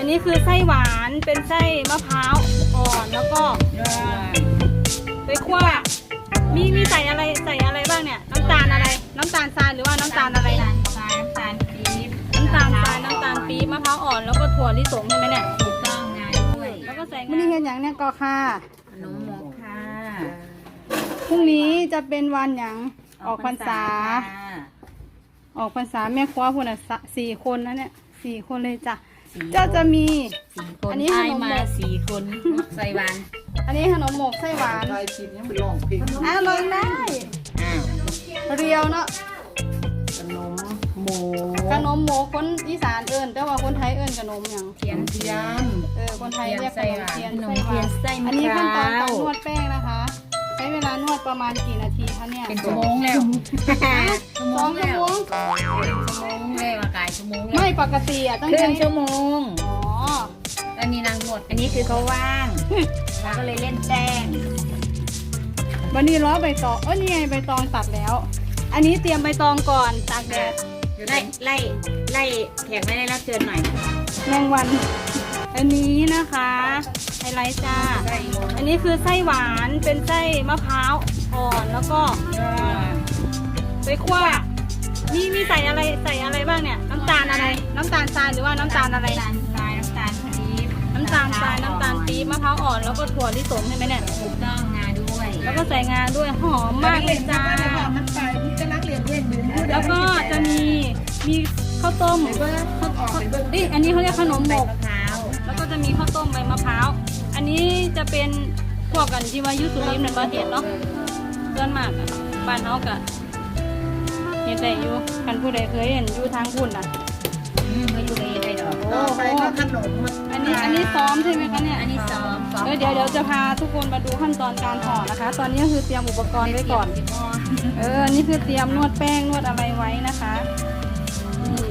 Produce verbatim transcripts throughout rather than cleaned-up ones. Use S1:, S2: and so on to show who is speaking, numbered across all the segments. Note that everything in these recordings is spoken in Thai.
S1: นนี้คือไส้หวานเป็นไส้มะพร้าวอ่อนแล้วก็ไปคั่วมีมีใส่อะไรใส่อะไรบ้างเนี่ยน้ำตาลอะไรน้ำตาลทรายหรือว่าน้ำตาลอะไรนะ
S2: ทรายน้ำตาลปี๊บ
S1: น้ำตาลทรายน้ำตาลปี๊บมะพร้าวอ่อนแล้วก็ถั่วลิสงใช่ไหมเนี่ย
S2: ถูกต้องงาด้วย
S1: แล้วก็ใส่มันนี่เห็นอย่างเนี่ยก็ค่ะ
S2: ขนมหมกค่ะ
S1: พรุ่งนี้จะเป็นวันอย่างออกพรรษาออกพรรษาแม่ครัวพวกน่ะสี่คนนะเนี่ยสี่คนเลยจ้ะจะจะมี
S2: สี่คน
S1: อันนี้ขนมหมก
S2: มาสี่คนใส่หวาน
S1: อันนี้ขนมหมกไส้หวาน
S3: ใครชิมยังไม่ลองเพลง
S1: อ่ะลองได้
S2: อ้าว
S1: เรียวเนาะ
S3: ขนมหมู
S1: ขนมหมกคนอีสานเอิ้นแต่ว่าคนไทยเอิ้นขนมอย่าง
S2: เทียน
S3: เทียน
S1: เออคนไทยเรียกขนมเทียน
S2: ขนม
S1: ไส้ห
S2: เที
S1: วาย
S2: น
S1: น
S2: ไส้มะ
S1: อันนี้
S2: พ
S1: ขั้นตอน
S2: ร้า
S1: การ
S2: วน
S1: วดแป้งนะคะ ใช้เวลานวดประมาณกี่นาทีคะเนี่ย
S2: เป็นชั่วโมงแล้วชั่วโม
S1: สอง
S2: ง
S1: ชั่ว
S2: แล้ว
S1: โมง
S2: ชั่วโมงแล้วอากาศชั่วโมงแล้ว
S1: ไม่ปกติอ่ะต้อง
S2: ครึ่
S1: ใช้
S2: งชั่วโมง
S1: อ๋อ
S2: อันนี้นางนวดอันนี้คือเขาว่างเราก็เลยเล่นแป้ง
S1: วันนี้ล้อใบตองเอ้ยนี่ไงใบตองตัดแล้ว อันนี้เตรียมใบตองก่อนตากแดด
S2: ไล่ไล่ไล่แขกไม่ได้รับเชิญหน่อย
S1: แมงวัน อันนี้นะคะไฮไลท์จ้า อันนี้คือไส้หวานเป็นไส้มะพร้าวอ่อนแล้วก็ไปคั่วมีมีใส่อะไรใส่อะไรบ้างเนี่ยน้ำตาลอะไร น้ำตาลทรายหรือว่าน้ำตาลอะไร
S2: น้ำตาลทรายน้ำตาลปี๊บ
S1: น้ำตาลทรายน้ำตาลปี๊บมะพร้าวอ่อนแล้วก็ถั่วลิสงใช่ไหมเนี่ย
S2: ถูกต้องงาด้วย
S1: แล้วก็ใส่งาด้วยหอมมากเลยจ้า
S3: มันไปมันจะนักเรียนเรียนดึง
S1: แล้วก็จะมีมีข้าวต้ม
S3: เบิ้งเขาออกไปเบิ้ง
S1: นี่อันนี้เขาเรียกขนมหมก
S2: มะพร้าว
S1: แล้วก็จะมีข้าวต้มใบมะพร้าว อันนี้จะเป็นพวกกันที่ว่ายุสุริมในประเทศเนาะเพื่อนมากอะบ้านเขากะเห็นแต่อยู่กันผู้ใดเคยเห็นอยู่ทางพุ่นอ่ะ
S2: อืมไม่อยู่ในในดอก
S3: ต่อไปก็ขนม
S1: อันนี้อันนี้ซ้อมใช่ไหมคะเนี่ย
S2: อันนี้ซ้อมซ้อม
S1: เออเดี๋ยวเดี๋ยวจะพาทุกคนมาดูขั้นตอนการห่อนะคะ ตอนนี้ก็คือเตรียมอุปกรณ์ไว้ก่อน เออ นี่คือเตรียมนวดแป้งนวดอะไรไว้นะคะนี่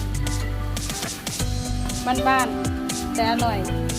S1: บ้านๆแต่อร่อย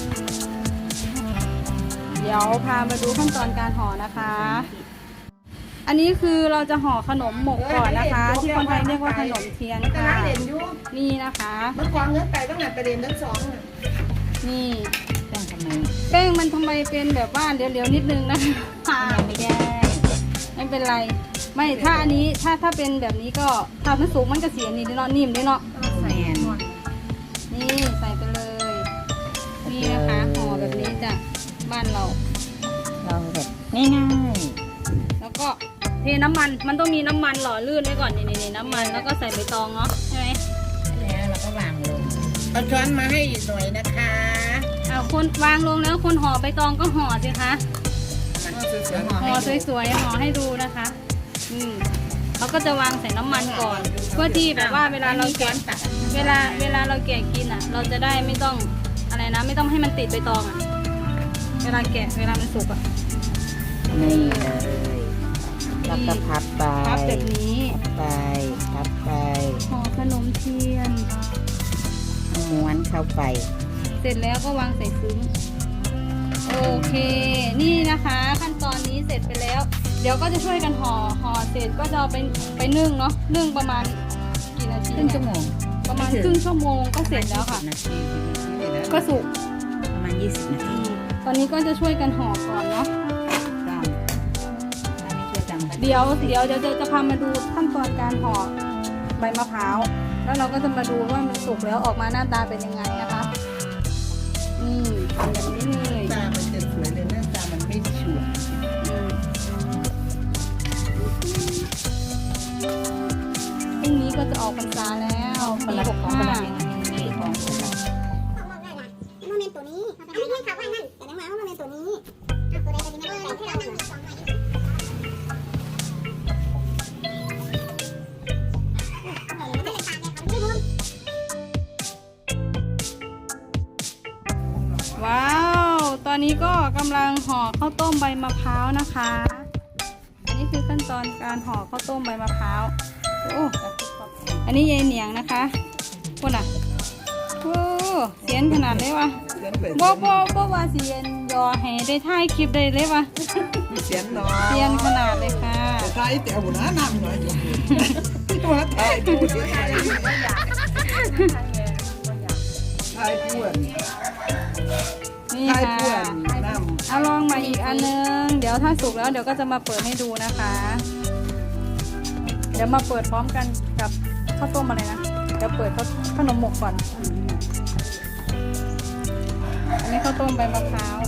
S1: เดี๋ยวพามาดูขั้นตอนการห่อนะคะ อันนี้คือเราจะห่อขนมหมกก่อนนะคะ ที่คนไทยเรียกว่าขนมเทียน
S3: มันจะ
S1: ค่ะ
S3: นักเรียนอยู่
S1: นี่นะคะ
S3: มันควางเงินไปตั้งแต่ประเด็นทั้งสอง
S1: นี่
S2: ต้องทำไม
S1: แป้งมันทำไมเป็นแบบว่าเดี๋ยวๆนิดนึงนะคะ
S2: ยังไม่ได้
S1: ไม่เป็นไร ไม่ถ้าอันนี้ถ้าถ้าเป็นแบบนี้ก็ถ้ามันสูงมันจะเสียนี่เนาะนิ่มด้วยเนาะ
S2: แสน
S1: นี่ใส่ไปเลย นี่นะคะห่อแบบนี้จ้ะบ้านเรา
S2: เราแบบง่าย
S1: แล้วก็เทน้ำมันมันต้องมีน้ำมันหล่อลื่นไว้ก่อนนี่นี่น้ำมันแล้วก็ใส่ใบตองเนาะใช่ไหม
S2: ๆแล้วเราก็วางลง
S3: เอาช้อนมาให้อีกหน่อยนะคะ
S1: เอาคนวางลงแล้วคนห่อใบตองก็ห่อสิคะห่อสวยๆห่อให้ดูนะคะอืมเราก็จะวางใส่น้ำมันก่อน เพื่อที่แบบว่าเวลาเราแกะเวลาเวลาเราแกะกินอ่ะ เราจะได้ไม่ต้องอะไรนะ ไม่ต้องให้มันติดใบตองอ่ะเวลาแกะเวลามันสุกอ่ะ
S2: นี่เลยแล้วก็พับไป
S1: พับแบบนี้
S2: พับไปพับไป
S1: ห่อขนมเทียน
S2: ม้วนเข้าไป
S1: เสร็จแล้วก็วางใส่ซึ้งโอเค นี่นะคะ ขั้นตอนนี้เสร็จไปแล้ว เดี๋ยวก็จะช่วยกันห่อห่อเสร็จก็จะเอาไปไปนึ่งเนาะนึ่งประมาณกี่นาที
S2: ครึ่งชั่วโมง
S1: ประมาณครึ่งชั่วโมงก็เสร็จแล้วค่ะ
S2: นาที
S1: ก็สุก
S2: ประมาณยี่สิบนาที
S1: ตอนนี้ก็จะช่วยกันห่อก่อนเนาะ
S2: ต้องถ้าไม่ช่วยกันก็
S1: เดี๋ยวเดี๋ยวเดี๋ยวจะจะพามาดูขั้นตอนการห่อใบมะพร้าวแล้วเราก็จะมาดูว่ามันสุกแล้วออกมาหน้าตาเป็นยังไงนะคะอืมเป็นแบบนี้เลย
S3: ตามันจะสวยเลยหน้าตามันไม่ฉูด
S1: พรุ่งนี้ก็จะออกพรรษาแล้วปีหก
S2: ของ
S1: ห้า
S2: ประเด็นนี้ของคนละ
S4: ของบอกได้นะโมเมนต์ตัวนี้อันนี้ให้เขาว่านั่นแต่นังมาว่าโมเมนต์ตัวนี้อ่ะตัวใดตัวนี้ไม่ได้ให้เรานั่งมีสองใบ
S1: ว้าว ตอนนี้ก็กำลังห่อข้าวต้มใบมะพร้าวนะคะ อันนี้คือขั้นตอนการห่อข้าวต้มใบมะพร้าวโอ้อันนี้ยายเหนียงนะคะคนอ่ะโอ้เสียนขนาดเลยวะ
S3: เสียนเปิด
S1: บ่บ่บ่ว่าเสียนยอให้ได้ถ่ายคลิปได้เลยวะ
S3: เสียนน้อย
S1: เสียนขนาดเลยค่ะ
S3: แต่ใครแต่เอาหัวหน้านำหน่อยตัวถ่ายพูดถ่ายถ่ายายป่วน
S1: นี่
S3: ทาย
S1: ค่ะ
S3: ป่วนน้ำ
S1: เอาลองมาอีกอันนึง เดี๋ยวถ้าสุกแล้วเดี๋ยวก็จะมาเปิดให้ดูนะคะ เดี๋ยวมาเปิดพร้อมกันกับข้าวต้มอะไรนะ เดี๋ยวเปิดข้าวขนมหมกก่อน อันนี้ข้าวต้มใบมะพร้าว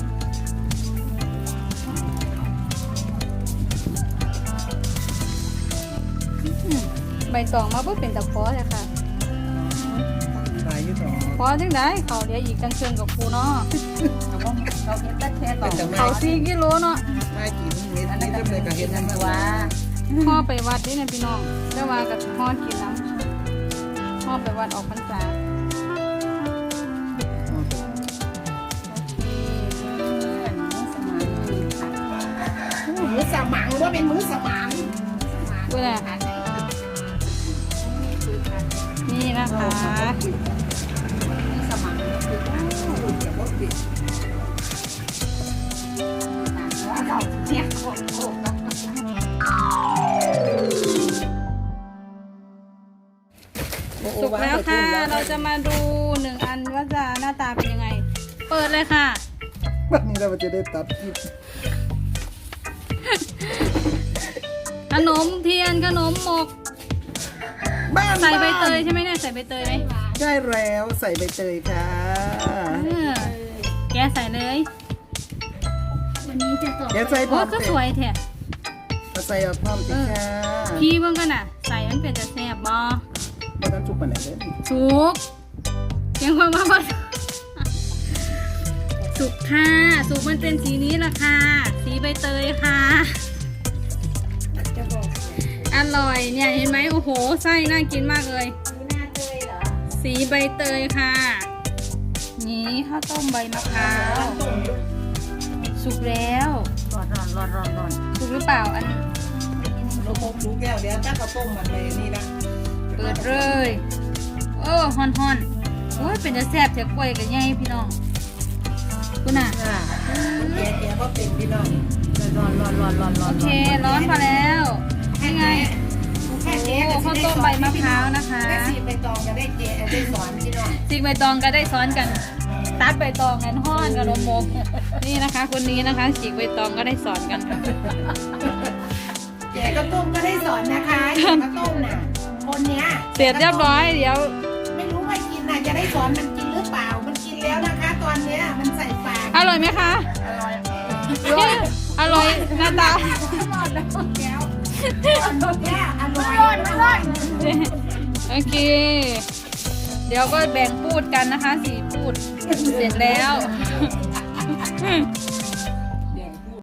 S1: อืมใบตองมาเพื่อเป็นตะเพาะเลยค่ะ
S3: ขายอยู่หรอ
S1: เพราะจังได้เขาเดี๋ยวอีกจังเชิงกับครูเนาะ
S2: เราก็เราเห็นแต่แค่ต่อ
S1: เขาสี่กิโลเนาะ
S3: มากินเม็ดนี้ก็เลยก็เห็นนั่น
S2: ตัว
S3: ว่า
S1: ห่อไปวัดนี่เนี่ยพี่น้องได้ว่ากับห่อกินน้ำห่อไปวัดออกพรรษา
S3: มือสมังว่าเป็นมือสมัง
S1: เวลานี่นะคะ
S2: สมังคือเราเนี่ยโอ้โห
S1: สุกแล้วค่ะ เราจะมาดูหนึ่งอันว่าจะหน้าตาเป็นยังไง เปิดเลยค่ะ
S3: วันนี้เราจะได้ตัดคลิป
S1: ขนมเทียนขนมหมก
S3: บ้าน
S1: ใส่ใบเตยใช่ไหมเนี่ยใส่ใบเตยไหม
S3: ใช่แล้วใส่ใบเตยค่ะ
S1: เออแกใส่เลย
S2: วันนี้จะสอบ
S3: เดี๋ยวใส่พร้
S1: โอ้
S3: อม
S1: ก็
S3: เต
S1: สวยแท้
S3: ใส่เอาพร้อมติค่ะ
S1: พี่เบิ่งกันน่ะ ใส่มันเป็นจะแซ่บบ่
S3: ไม่ต้องชุบปานไหนเลย
S1: สุกยังความว่าบ่สุกค่ะสุกมันเป็นสีนี้ล่ะค่ะ สีใบเตยค่ะ
S2: จะบอก
S1: อร่อยเนี่ยเห็นไหมโอ้โหไส้น่ากินมากเลย
S2: ดูหน้าเตยเหรอ
S1: สีใบเตยค่ะ นี่ข้าวต้มใบมะพร้าวสุกแล้ว
S2: ร้อนร้อนร้อนร้อนร้อน
S1: สุกหรือเปล่าอัน
S3: ลูกมกลูกแก้วเดี๋ยวถ้าเขาต้มมันเลยนี่นะ
S1: เปิดเลยโอ้ฮอนฮอนๆโอ้ยเป็นจะแซ่บเถอะกล้วยกับไงพี่น้องคุณน่ะ
S3: แกแกก็เป็นพี่น้อง
S2: ร้อนร้อนร้อนร้อนร้
S1: โอ
S2: อน
S1: เคร้อนพอแล้วนี่ไง
S3: แค่
S1: โอ้
S3: แกก็
S1: ข้าวต้มใบมะพร้าวนะคะ
S3: แค่สีใบตองก็ได้เจได้สอนพี่น้อง
S1: ซิกใบตองก็ได้ซ้อนกันตัดใบตองกันห้อนกับนมมกนี่นะคะ คนนี้นะคะฉีกใบตองก็ได้สอนกันค่ะ
S3: แกก็ต้มก็ได้สอนนะคะแกก็ต้มน่ะคนเนี้ย
S1: เสร็จเรียบร้อยเดี๋ยว
S3: ไม่รู้ว่ากินน่ะจะได้สอนมันกินหรือเปล่ามันกินแล้วนะคะ ตอนเนี้ยมันใส่ปาก
S1: อร่อยไหมคะ
S3: อร่อย
S1: อร่อยหน้าตา
S3: อร่อยแล้วแก้วแก้วอร่อยอร่อย
S1: โอเค เดี๋ยวก็แบ่งพูดกันนะคะสี่พูดเสร็จแล้ว